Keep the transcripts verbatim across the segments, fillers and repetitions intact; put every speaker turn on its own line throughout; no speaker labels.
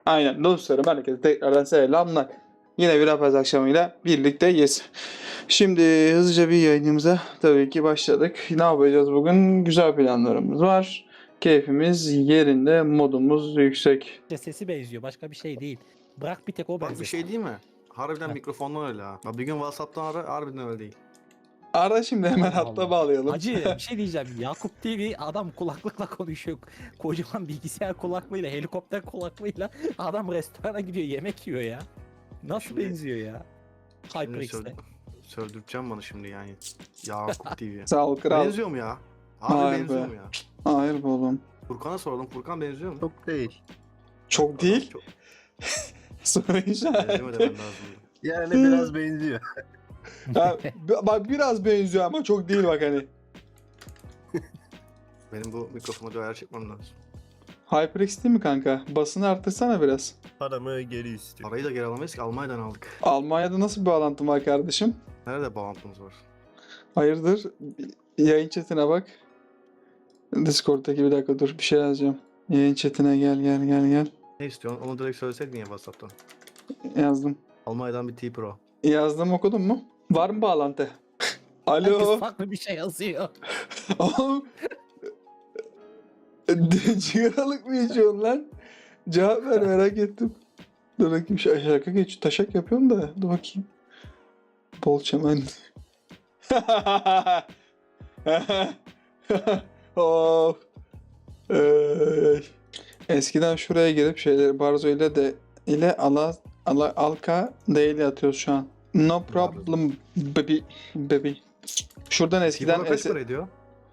Aynen dostlarım, herkese tekrardan selamlar. Yine bir rapaz akşamıyla birlikteyiz. Şimdi hızlıca bir yayınımıza tabii ki başladık. Ne yapacağız bugün? Güzel planlarımız var. Keyfimiz yerinde, modumuz yüksek.
de sesi benziyor. Başka bir şey değil. Bırak bir tek o
Bak bir
benzesin.
şey değil mi? Harbiden
Heh.
mikrofondan öyle ha. Ya bir gün WhatsApp'tan ara, harbiden öyle değil.
Ara şimdi hemen
Allah
hatta
Allah.
bağlayalım.
Hacı bir şey diyeceğim. Yakup T V adam kulaklıkla konuşuyor. Kocaman bilgisayar kulaklığıyla, helikopter kulaklığıyla adam restorana gidiyor, yemek yiyor ya. Nasıl
Şimdi-
benziyor ya?
Şimdi
HyperX'te.
söyle, söldürteceğim bana şimdi yani. Yakup T V.
Sağ ol kral.
Benziyor mu ya? Abi
Hayır
benziyor
be.
mu ya?
Hayır be oğlum.
Furkan'a sordum. Furkan benziyor mu?
Çok değil.
Çok değil.
Çok
Soru
benziyor
işareti.
demen lazım.
Yani biraz benziyor.
Ya, b- bak biraz benziyor ama çok değil bak hani.
Benim bu mikrofona bir ayar çekmem lazım.
HyperX değil mi kanka? Basını arttırsana biraz.
Paramı geri istiyor.
Parayı da geri alamayız ki, Almanya'dan aldık.
Almanya'da nasıl bir bağlantın var kardeşim?
Nerede bağlantımız var?
Hayırdır? Yayın chatine bak. Discord'daki bir dakika dur bir şey yazacağım. Yayın chatine gel gel gel gel.
Ne istiyorsun? Onu direkt söyleseydin ya WhatsApp'tan.
Yazdım.
Almanya'dan bir T Pro.
Yazdım, okudun mu? Var mı bağlantı?
Herkes
Alo.
farklı bir şey yazıyor.
Oğlum. Cigaralık mı içiyorsun lan? Cevap ver, merak ettim. Dur bakayım, şu şaka geç. Taşak yapıyorum da. Dur bakayım. Bol çemen. Of. Ey. Eskiden şuraya girip şeyleri Barzo ile de ile ala, ala alka değil atıyoruz şu an. No problem baby baby. Şuradan
T
eskiden
Pro kaç para ediyor?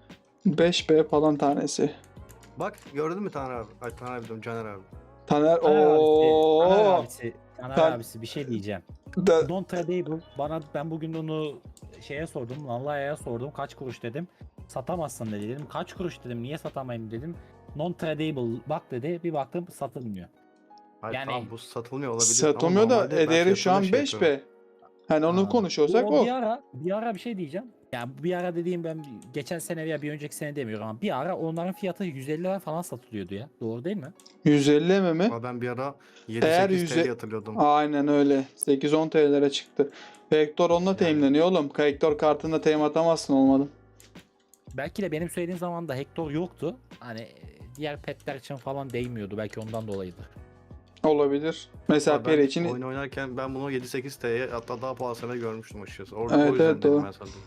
beş B falan tanesi.
Bak gördün mü Taner abi? Ay Taner abi diyorum, Caner abi.
Taner
Taner abisi, Taner
ooo.
abisi, Taner
Tan-
abisi bir şey diyeceğim.
Da-
Non tradable. Bana ben bugün onu şeye sordum. Lanlaya'ya sordum. Kaç kuruş dedim. Satamazsın dedi. Dedim kaç kuruş dedim. Niye satamayayım dedim. Non tradable bak dedi. Bir baktım satılmıyor.
Hayır
Yani-
tamam, bu satılmıyor olabilir.
Satılmıyor
ama
da
normalde ben
ederi şu an
fiyatını şey
beş
yapıyorum.
B. Hani onu
Ha.
konuşuyorsak
O
o.
bir ara bir ara bir şey diyeceğim. Yani bir ara dediğim ben geçen sene veya bir önceki sene demiyorum ama bir ara onların fiyatı yüz elli lira falan satılıyordu ya. Doğru değil mi?
yüz elli mi mi?
Ama ben bir ara
Eğer
yedi sekiz
yüze-
T L hatırlıyordum.
Aynen öyle. sekiz on T L'lere çıktı. Vector onunla
Yani.
teyimleniyor oğlum. Vector kartında teyim atamazsın olmadı.
Belki de benim söylediğim zaman da Hector yoktu. Hani diğer petler için falan değmiyordu. Belki ondan dolayıdır.
Olabilir. Mesela
Ama ben
Peri için
oyun oynarken ben bunu yedi sekiz T'ye hatta daha pahalısına görmüştüm açıkçası. Orada
Evet,
o yüzden
evet,
dedim
doğru.
ben sana.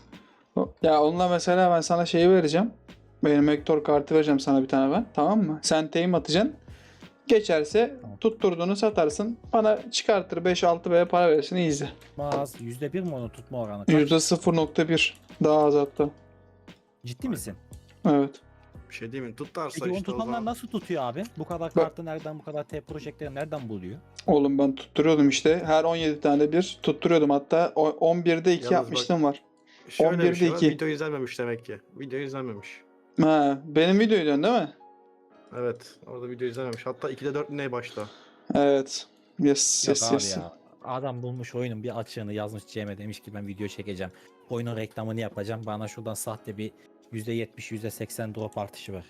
ya onunla mesela ben sana şeyi vereceğim. Benim Vector kartı vereceğim sana bir tane ben. Tamam mı? Sen teyim atacaksın. Geçerse
Tamam.
tutturduğunu satarsın. Bana çıkartır beş altı B'ye para verirsin, easy.
Az yüzde bir mi onu tutma oranı? Kaç?
yüzde sıfır nokta bir. Daha az hatta.
Ciddi misin?
Evet.
Bir şey değil mi? Tutarsa
Peki onu
işte o
tutanlar
zaman.
nasıl tutuyor abi? Bu kadar kartı nereden, bu kadar T projektleri nereden buluyor?
Oğlum ben tutturuyordum işte. Her on yedi tane bir tutturuyordum. Hatta o- on birde iki
Yalnız
yapmışlığım var.
Şöyle
on birde
bir şey var.
iki.
Video izlenmemiş demek ki. Video izlenmemiş.
Ha, benim videoyu diyorsun değil mi?
Evet. Orada video izlenmemiş. Hatta ikide dört neye başla.
Evet. Yes,
Yok
yes,
abi
yes.
ya. Adam bulmuş oyunun bir açığını yazmış Cem'e, demiş ki ben video çekeceğim. Oyunun reklamını yapacağım. Bana şuradan sahte bir yüzde yetmiş yüzde seksen drop artışı var.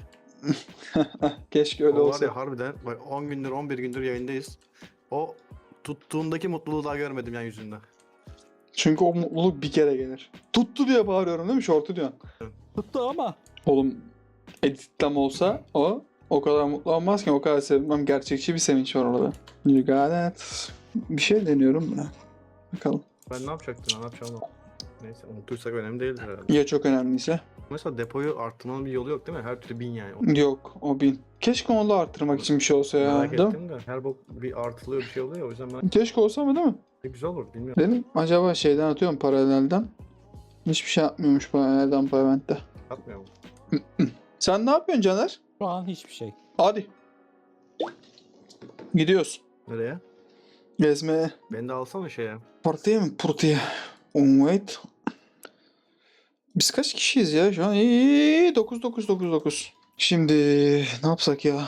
Keşke öyle
O var
olsa.
ya harbiden. Bak on gündür on bir gündür yayındayız. O tuttuğundaki mutluluğu daha görmedim yani yüzünde.
Çünkü o mutluluk bir kere gelir. Tuttu diye bağırıyorum değil mi? Şortu diyorsun.
Tuttu ama.
Oğlum editlem olsa o o kadar mutlu olmazken o kadar sevmem. Gerçekçi bir sevinç var orada. You got it. Bir şey deniyorum da. Bakalım.
Ben ne yapacaktım? Ne yapacağım? Neyse unutursak önemli değildir herhalde.
Ya çok önemliyse?
Mesela depoyu arttırmanın bir yolu yok değil mi? Her türlü bin yani.
Yok, o bin. Keşke onu da arttırmak için bir şey olsa ya.
Merak
Değil mi?
ettim de her bok bir artılıyor bir şey oluyor ya, o yüzden ben
Keşke olsa mı değil mi?
güzel olur bilmiyorum.
Benim acaba şeyden atıyorum, paralelden. Hiçbir şey yapmıyormuş paralelden Pavement'te.
Atmıyor mu?
Sen ne yapıyorsun Caner?
Şu an hiçbir şey.
Hadi. Gidiyoruz.
Nereye?
Gezmeye.
Beni de alsana şeye.
Partiye mi? Partiye. Oh, wait. Biz kaç kişiyiz ya şu an? İyi, dokuz dokuz dokuz dokuz. Şimdi ne yapsak ya?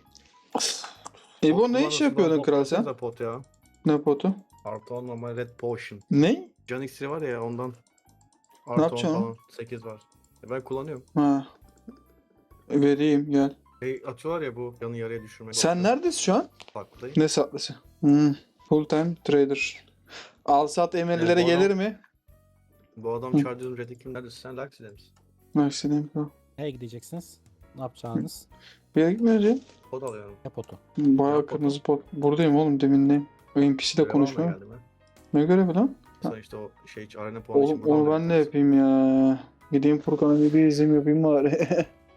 İbo
Pot
ne iş
kullanırsın,
yapıyordun
bana
kral sen?
toplasana pot ya.
Ne potu?
Artı on normal red potion.
Ne?
Can iksiri var ya ondan. Artı on
yapacaksın
falan. sekiz var. E ben kullanıyorum.
Ha. Vereyim gel.
Şey atıyorlar ya bu yanı yarıya düşürmek.
Sen neredesin şu an?
Farklı.
Ne satlısı? Hmm. Full time trader. Al sat emirlere
Yani bu
gelir
adam-
mi?
Bu adam
Hı.
Charger'ın Red'in neredesin? Sen Laxi'de misin?
Mersin'im.
Nereye gideceksiniz? Ne yapacağınız?
Bir yere gitmeyeceğim.
Kod alıyorum.
Ne potu?
Bayağı
Yok,
kırmızı pot. Buradayım oğlum deminden. N P C'de
Görev almaya
konuşmuyor.
geldim ha.
Ne görevi lan?
Sana işte o şey arena puanı için
Oğlum
buradan
onu
da
ben ne
yaparız.
yapayım ya? Gideyim Furkan'a bir izim yapayım bari.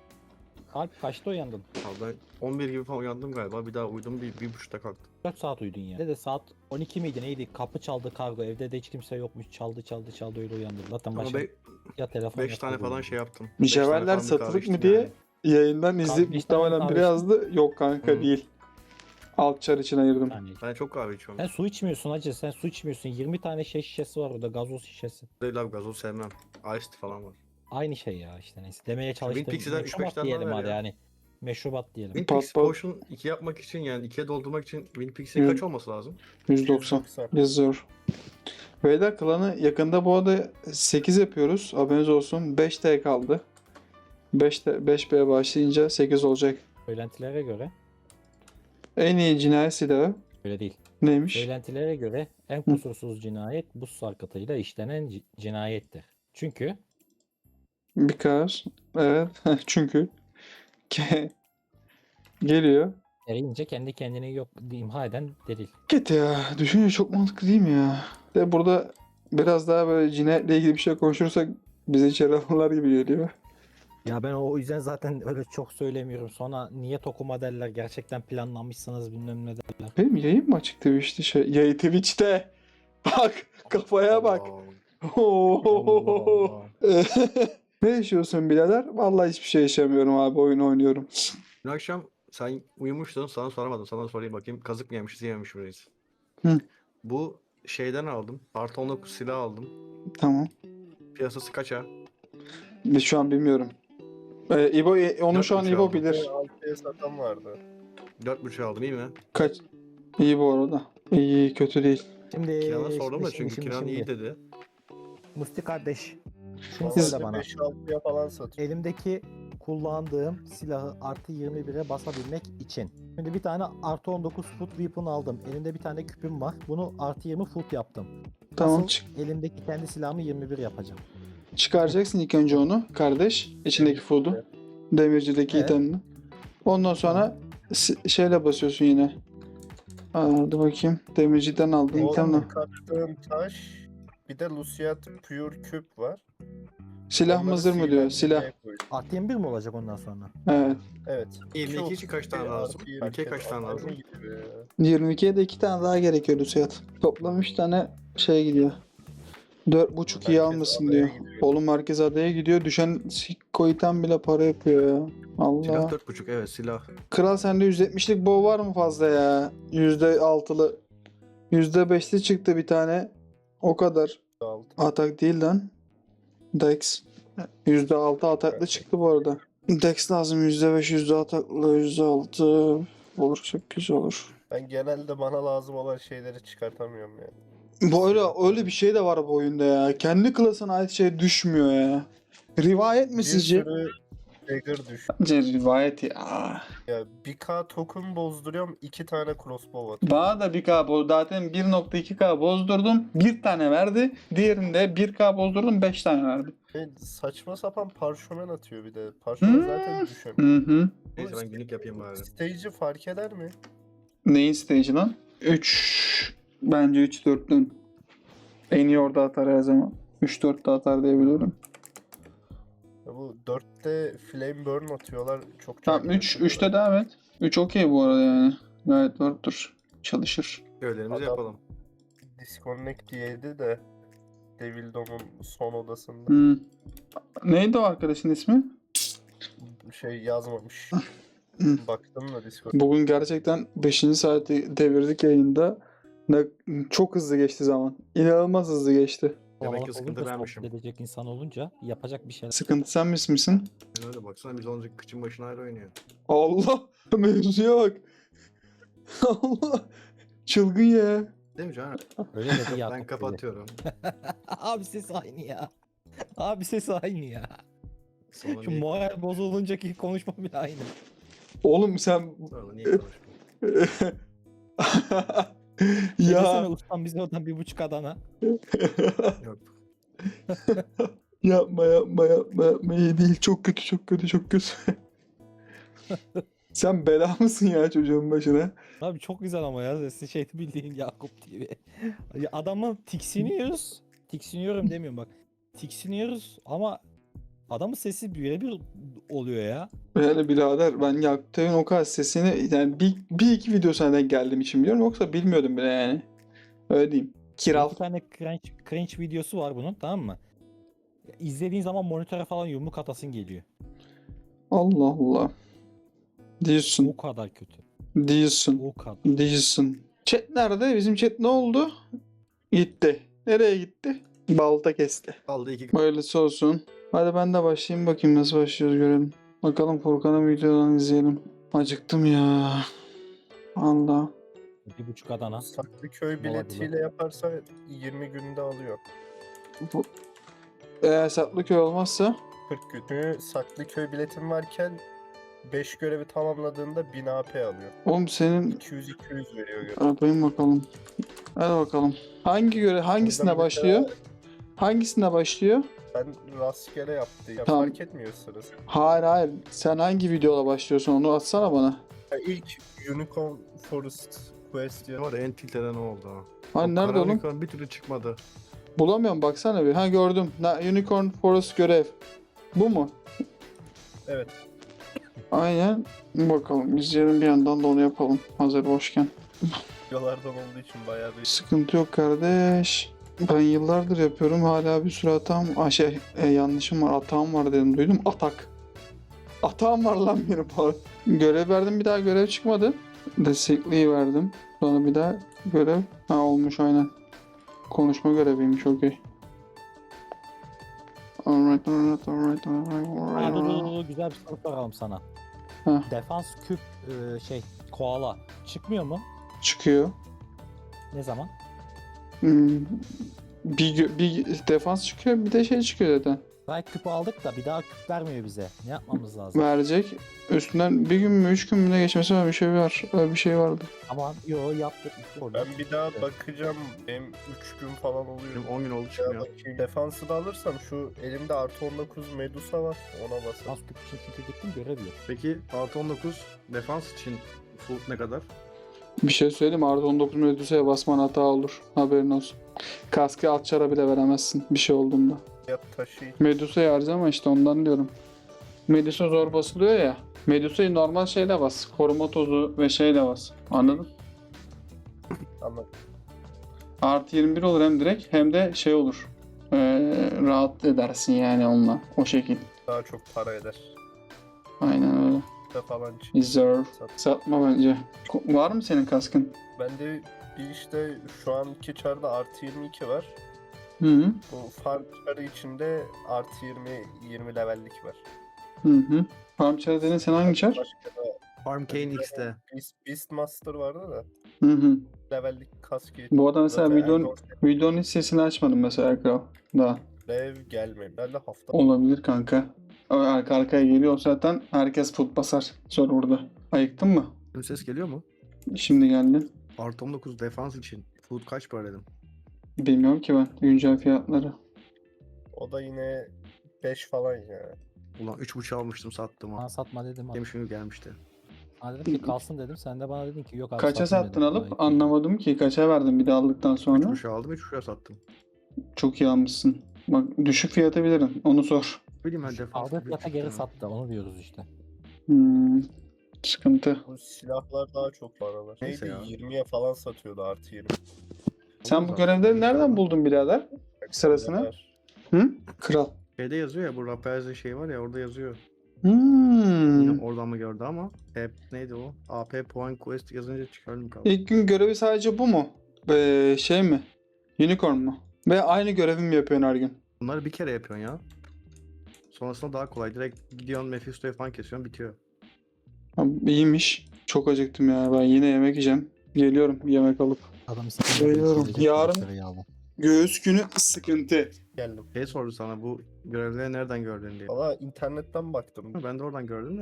Alp kaçta uyandın?
Abi ben on bir gibi falan uyandım galiba. Bir daha uyudum bir, bir buçukta kalktım.
dört saat uyudun ya. Dede saat on iki miydi neydi? Kapı çaldı kargo. Evde de hiç kimse yokmuş. Çaldı çaldı çaldı öyle uyandım. Zaten
Ama
başka
be,
ya telefon
beş
ya
tane
kurgu.
falan şey yaptım. Beş tane
Mücevherler
falan bir kahve
satılık mı
içtim
diye
yani.
yayından izleyip
beş tane
muhtemelen
kahve
biri yazdı. Yok kanka
Hı.
değil. Alt çar için ayırdım.
Yani.
Ben çok kahve içiyorum.
Sen su içmiyorsun hacı. Sen su içmiyorsun. yirmi tane şey şişesi var orada. Gazoz şişesi.
Değil abi gazoz sevmem. Iced falan var.
Aynı şey ya işte neyse. Demeye çalıştım.
Winpixie'den üç beş
Meşrubat
tane
diyelim
daha ver
hadi
ya.
yani. Meşrubat diyelim.
Winpix
pat.
Potion iki yapmak için yani ikiye doldurmak için Winpix'in
Hı.
kaç olması lazım?
yüz doksan. Yazıyor. Beyler klanı yakında bu arada sekiz yapıyoruz. Haberiniz olsun. beş T kaldı. beş T, beş B başlayınca sekiz olacak.
Söylentilere göre
En iyi cinayet silahı
öyle değil.
neymiş?
Söylentilere göre en kusursuz cinayet buz sarkıtıyla işlenen ci- cinayettir. Çünkü
Because. Evet. Çünkü. Ke- Geliyor.
eriyince kendi kendini yok imha eden delil.
Git ya. Düşününce çok mantıklı değil mi ya? De burada biraz daha böyle cinayetle ilgili bir şey konuşursak bizi içeri alırlar gibi geliyor.
Ya ben o yüzden zaten öyle çok söylemiyorum. Sonra niyet okuma derler. Gerçekten planlamışsınız bilmem ne derler.
Benim yayın mı açık Twitch'te şey? Yayın Twitch'te. Bak kafaya bak.
Allah.
Oo. Ne yaşıyorsun birader? Vallahi hiçbir şey yaşamıyorum abi. Oyun oynuyorum.
Dün akşam sen uyumuştun sana soramadım. Sana sorayım bakayım. Kazık mı yemişiz yememiş miyiz?
Hı.
Bu şeyden aldım. Artı on dokuz silah aldım.
Tamam.
Piyasası kaça?
Biz şu an bilmiyorum. Ee, İbo, onu şu an
Dört buçuk
İbo
aldım.
bilir.
altıya satan vardı.
dört buçuk aldım iyi mi?
Kaç? İyi bu arada. İyi kötü değil.
Şimdi
Kinan'a sordum da
şimdi,
çünkü
şimdi,
Kinan
şimdi.
iyi dedi.
Musti kardeş. Şunu
Siz-
söyle bana.
beş altıya falan satıyor.
Elimdeki kullandığım silahı artı yirmi bire basabilmek için. Şimdi bir tane artı on dokuz foot weapon aldım. Elimde bir tane küpüm var. Bunu artı yirmi foot yaptım.
Tamam
Asıl
çık.
elimdeki kendi silahımı yirmi bir yapacağım.
Çıkaracaksın ilk önce onu kardeş. İçindeki food'u. Demircideki
Evet.
itemini. Ondan sonra si- şeyle basıyorsun yine. Aa, dur bakayım. Demirciden aldın
O
itemle.
kattığım taş bir de Luciat Pure Küp var.
Silah
Onları
mı zırh mı diyor?
sihirlendirmeye
Silah.
koydum.
Artı yirmi bir mi olacak ondan sonra?
Evet.
Evet.
yirmi iki
İki
için kaç tane
otuz bir
lazım?
artı
yirmi ikiye kaç tane
Adam
lazım?
gibi ya.
yirmi ikiye de iki tane daha gerekiyor Luciat. Toplam üç tane şey gidiyor. dört buçuk iyi
Merkez
almışsın
adaya
diyor.
gidiyor.
Oğlum merkez adaya gidiyor. Düşen Sikko item bile para yapıyor ya. Allah.
Silah dört buçuk evet silah.
Kral sende yüz yetmişlik bow var mı fazla ya? yüzde altılı. yüzde beşli çıktı bir tane. O kadar.
Altı.
Atak değil lan. Dex. yüzde altı ataklı çıktı bu arada. Dex lazım. yüzde beş yüzde ataklı. yüzde altı. Olur çok güzel olur.
Ben genelde bana lazım olan şeyleri çıkartamıyorum yani.
Bu öyle, öyle bir şey de var bu oyunda ya. Kendi klasına ait şey düşmüyor ya. Rivayet mi
Bir
sizce?
sürü dagger düş.
Bence rivayet ya.
Ya bir K token bozduruyorum, iki tane crossbow atıyor.
Bana da bir K boz. Zaten bir nokta iki K bozdurdum. Bir tane verdi. Diğerinde bir K bozdurdum. beş tane verdi.
E, saçma sapan parşömen atıyor bir de. Parşömen
Hmm.
zaten düşemiyor.
Hı hı.
Neyse ben günlük yapayım bari.
Stage'i fark eder mi?
Neyin stage lan? üç. Bence üç dörtlün. En iyi orada atar her zaman. üç dörtte atar diye biliyorum.
Ya bu dörtte flame burn atıyorlar. Çok
Tamam
çok
üç. üçte devam et. üç okey bu arada yani. Gayet dörttür. Çalışır.
Görevlerimizi
Adam-
yapalım.
disconnect diyeydi de Devil Dom'un son odasında
Hmm. Neydi o arkadaşın ismi?
şey yazmamış.
Hı.
Baktım da Discord.
Bugün gerçekten beşinci saati devirdik yayında. Ne, çok hızlı geçti zaman. İnanılmaz hızlı geçti.
Demek ki
Kalabalık
sıkıntı
olunca,
vermişim.
sohbet edecek insan olunca yapacak bir şeyler.
Sıkıntı sen mis misin?
Ben öyle baksana biz olunca kıçın başına ayrı oynuyor.
Allah! Mevzuya bak. Allah! Çılgın ya.
Değil mi Can?
Öyle dedi ya.
Ben kapatıyorum.
Abi ses aynı ya. Abi ses aynı ya.
Sonra
Şu
bir-
moral bozuluncaki konuşma bile aynı.
Oğlum sen
Sonra niye konuşmuyorsun?
Ya.
ya
Ustam bize oradan bir buçuk Adana.
Yok.
yapma yapma yapma yapma iyi değil çok kötü çok kötü çok kötü. Sen bela mısın ya çocuğun başına?
Abi çok güzel ama ya sesi şey bildiğin Yakup T V. Ya adamı tiksiniyoruz. Tiksiniyorum demiyorum bak. Tiksiniyoruz ama adamın sesi birebir oluyor ya.
Yani birader ben Yaktay'ın o kadar sesini yani bir, bir iki video senden geldiğim için biliyorum yoksa bilmiyordum bile yani. Öyle diyeyim. Kiral.
Bir tane cringe, cringe videosu var bunun, tamam mı? İzlediğin zaman monitöre falan yumruk atasın geliyor.
Allah Allah. Diyorsun.
O kadar kötü.
Diyorsun.
O kadar.
Diyorsun. Chat nerede? Bizim chat ne oldu? Gitti. Nereye gitti? Balta kesti.
Aldı iki.
Hayırlısı olsun. Hadi ben de başlayayım bakayım nasıl başlıyoruz görelim. Bakalım Furkan'ın videodan izleyelim. Acıktım ya. Allah.
Bir buçuk Adana.
Saklıköy biletiyle yaparsa yirmi günde alıyor.
Bu... Eğer Saklıköy olmazsa
kırk gün. Çünkü Saklıköy biletin varken beş görevi tamamladığında bin A P alıyor.
oğlum senin
iki yüz iki yüz veriyor görev.
yapayım bakalım. Hadi bakalım. Hangi göre hangisinde
Oradan
başlıyor?
mesela
Hangisinde başlıyor?
Ben rastgele yaptım. Ya
Tamam.
fark etmiyor sırası.
Hayır hayır. Sen hangi videoda başlıyorsun onu atsana bana.
Ya ilk Unicorn Forest Quest ya.
Var ya, en tilt eden o oldu ha.
Hani
O
nerede
kara
oğlum?
unicorn bir türlü çıkmadı.
Bulamıyorum baksana bir. Ha gördüm. Na, Unicorn Forest görev. Bu mu?
Evet.
Aynen. Bakalım izleyelim bir yandan da onu yapalım. Hazır boşken.
Videolardan olduğu için bayağı da
Sıkıntı yok kardeş. Ben yıllardır yapıyorum. Hala bir sürü hatam. Aa, şey e, yanlışım var. Hatam var dedim. Duydum. Atak. Hatam var lan benim falan. Görev verdim bir daha görev çıkmadı. Destekliği verdim. Sonra bir daha görev. Ha olmuş aynen. Konuşma göreviymiş okey. Alright alright alright alright
Ha, dur, dur,
alright.
dur, dur, güzel bir soru soralım sana.
Heh.
Defans küp e, şey koala çıkmıyor mu?
Çıkıyor.
Ne zaman?
Hmm. Bir, gö- bir defans çıkıyor bir de şey çıkıyor zaten.
Belki küpü aldık da bir daha küp vermiyor bize. Ne yapmamız lazım?
Verecek. Üstünden bir gün mü üç gün mü ne geçmesi var bir şey var. Öyle bir şey vardı.
Ama yo yaptık. Oldu.
ben bir daha bakacağım. Benim üç gün falan oluyor.
Benim on gün oldu
Bir daha
çıkmıyor.
bakayım. Defansı da alırsam şu elimde artı on dokuz Medusa var. Ona basarım.
Defans küp için çünkü gittim görev yok.
Peki artı on dokuz defans için full ne kadar?
Bir şey söyleyeyim mi? Artı on dokuz Medusa'ya basman hata olur. Haberin olsun. Kaskı alt çara bile veremezsin bir şey olduğunda.
Ya taşı
Medusa'yı harcama işte ondan diyorum. Medusa zor basılıyor ya. Medusa'yı normal şeyle bas. Koruma tozu ve şeyle bas. Anladın?
ama
Artı yirmi bir olur hem direkt hem de şey olur. Ee, rahat edersin yani onunla. O şekil.
daha çok para eder.
Aynen öyle.
Da falan çık.
Deserve.
Sat.
Satma bence. Ko- Var mı senin kaskın?
Bende bir işte şu anki çarda artı yirmi iki var.
Hı hı.
Bu farm çarı içinde artı yirmi yirmi levellik var.
Hı hı. Farm çarı dedin sen hangi çar?
Başka da
Farm Kane X'te.
Beast, Beastmaster vardı da
Hı hı.
levellik kaskı.
Bu arada mesela
Zaten
videonun,
Endor
videonun hiç sesini açmadım mesela Kral. Daha.
Lev gelmiyor. Ben de hafta
Olabilir kanka. Ama arka arkaya geliyor zaten herkes foot basar serverda. Ayıktın mı?
Benim ses geliyor mu?
Şimdi geldi.
Artı on dokuz defans için full kaç para dedim?
Bilmiyorum ki ben güncel fiyatları.
o da yine beş falan ya.
Ulan üç buçuk almıştım sattım ha.
Bana satma dedim.
Demiş günü gelmişti.
Ha dedim ki kalsın dedim. Sen de bana dedin ki yok abi
Kaça
satayım
sattın
dedin.
alıp
Ayıp.
anlamadım ki. Kaça verdin bir de aldıktan
üç
sonra?
buçuk aldım üç buçuk sattım.
Çok iyi almışsın. Bak düşük fiyatı bilirim. Onu sor.
Bileyim ben defans.
Aldığı fiyata geri sattı. Onu diyoruz işte.
Hmm, sıkıntı.
Bu silahlar daha çok paralar.
Neyse
Neydi
ya.
yirmiye falan satıyordu artı yirmi.
Sen bu görevleri nereden buldun birader? Sırasını?
Var.
Hı? Kral.
Şeyde yazıyor ya bu Rapaze'in şey var ya orada yazıyor.
Hmm.
Bilmiyorum oradan mı gördü ama hep neydi o? A P Point Quest yazınca çıkardım kaldı.
İlk gün görevi sadece bu mu? Ee, şey mi? Unicorn mu? Ve aynı görevi mi yapıyorsun her gün?
Bunları bir kere yapıyorsun ya. Sonrasında daha kolay. Direkt gidiyorsun Mephisto'yu falan kesiyorsun bitiyor.
Ha, iyiymiş. Çok acıktım ya. Ben yine yemek yiyeceğim. Geliyorum yemek alıp.
Adam sıkıntı.
Geliyorum. Yarın göğüs günü sıkıntı.
Geldim.
Şey sordu sana bu görevleri nereden gördün diye.
Valla internetten baktım.
Ben de oradan gördüm de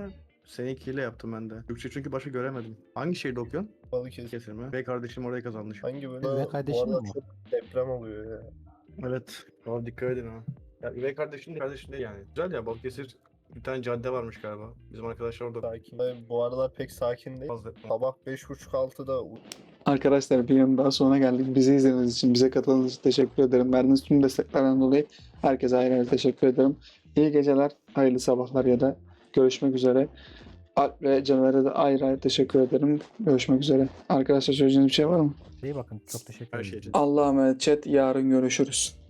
Seninkiyle yaptım ben de. Türkçe çünkü başka göremedim. Hangi şehirde okuyorsun?
Balıkesir.
Kesin mi? Bey kardeşim oraya kazanmış.
Hangi bölüm?
Üvey
Bu
kardeşin
aralar
mi?
çok deprem oluyor ya.
Evet. Abi dikkat edin ha. Ya üvey kardeşim de kardeşim değil yani. Güzel ya, Balıkesir bir tane cadde varmış galiba. Bizim arkadaşlar orada
Sakin. Bu aralar pek sakin değil.
fazla etmez.
Sabah beş buçuk altıda
Arkadaşlar bir yılın daha sonuna geldik. Bizi izlediğiniz için, bize katıldığınız için teşekkür ederim. Verdiğiniz tüm desteklerden dolayı herkese ayrı ayrı teşekkür ederim. İyi geceler, hayırlı sabahlar ya da görüşmek üzere. Alp ve Caner'e de ayrı ayrı teşekkür ederim. Görüşmek üzere. Arkadaşlar söyleyeceğiniz bir şey var mı?
İyi bakın çok teşekkür
Her şey
ederim.
için.
Allah'a emanet chat. Yarın görüşürüz.